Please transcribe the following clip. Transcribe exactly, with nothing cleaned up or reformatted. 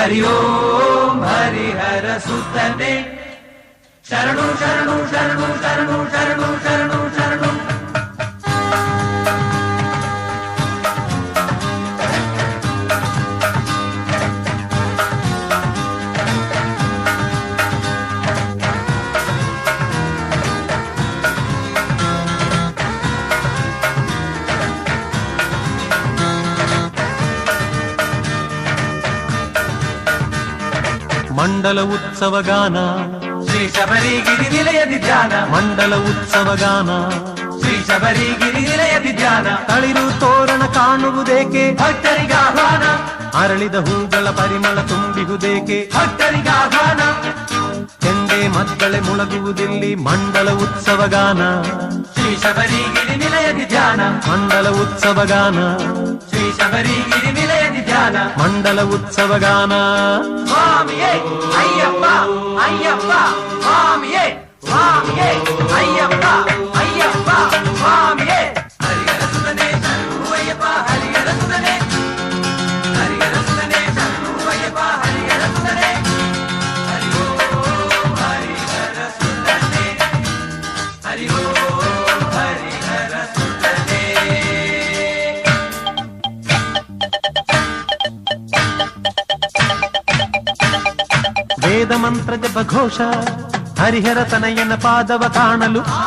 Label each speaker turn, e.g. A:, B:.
A: ಹರಿ ಓಂ ಹರಿಹರ ಸುತನೆ ಶರಣು ಶರಣು ಶರಣು ಶರಣು ಶರಣು ಶರಣು ಶರಣು.
B: ಮಂಡಲ ಉತ್ಸವ ಗಾನ
A: ಶ್ರೀ ಶಬರಿಗಿರಿ ನಿಲಯದಿ ಧ್ಯಾನ.
B: ಮಂಡಲ ಉತ್ಸವ ಗಾನ
A: ಶ್ರೀ ಶಬರಿಗಿರಿ ನಿಲಯದಿ ಧ್ಯಾನ.
B: ತಳಿರು ತೋರಣ ಕಾಣುವುದೇಕೆ
A: ಭಕ್ತರಿಗಾಹ್ವಾನ.
B: ಅರಳಿದ ಹೂಗಳ ಪರಿಮಳ ತುಂಬಿಹುದೇಕೆ
A: ಭಕ್ತರಿಗಾಹ್ವಾನ.
B: ಕೆಂಡೆ ಮಕ್ಕಳೆ ಮುಳಗುವುದಿಲ್ಲಿ ಮಂಡಲ ಉತ್ಸವ ಗಾನ.
A: ಶ್ರೀ ಶಬರಿಗಿರಿ ನಿಲಯದಿ ಧ್ಯಾನ.
B: ಮಂಡಲ ಉತ್ಸವ ಗಾನ
A: ಶ್ರೀ ಶಬರಿಗಿರಿ ನಿಲಯದಿ ಧ್ಯಾನ.
B: ಮಂಡಲ ಉತ್ಸವ ಗಾನ.
A: ಸ್ವಾಮಿಯೇ ಅಯ್ಯಪ್ಪ ಅಯ್ಯಪ್ಪ ಸ್ವಾಮಿಯೇ ಸ್ವಾಮಿಯೇ ಅಯ್ಯಪ್ಪ ಅಯ್ಯಪ್ಪ ಸ್ವಾಮಿಯೇ. ಹರಿಹರ ಸುತನೆ ಶರಣು ಅಯ್ಯಪ್ಪ ಹರಿಹರ ಸುತನೆ. ಹರಿಹರ ಸುತನೆ ಶರಣು ಅಯ್ಯಪ್ಪ ಹರಿಹರ ಸುತನೆ. ಹರಿ ಓಂ ಹರಿಹರ ಸುತನೆ. ಹರಿ ಓಂ ಹರಿಹರ ಸುತನೆ.
B: ವೇದ ಮಂತ್ರ ಜಪ ಘೋಷ ಹರಿಹರ ತನಯನ ಪಾದವ ಕಾಣಲು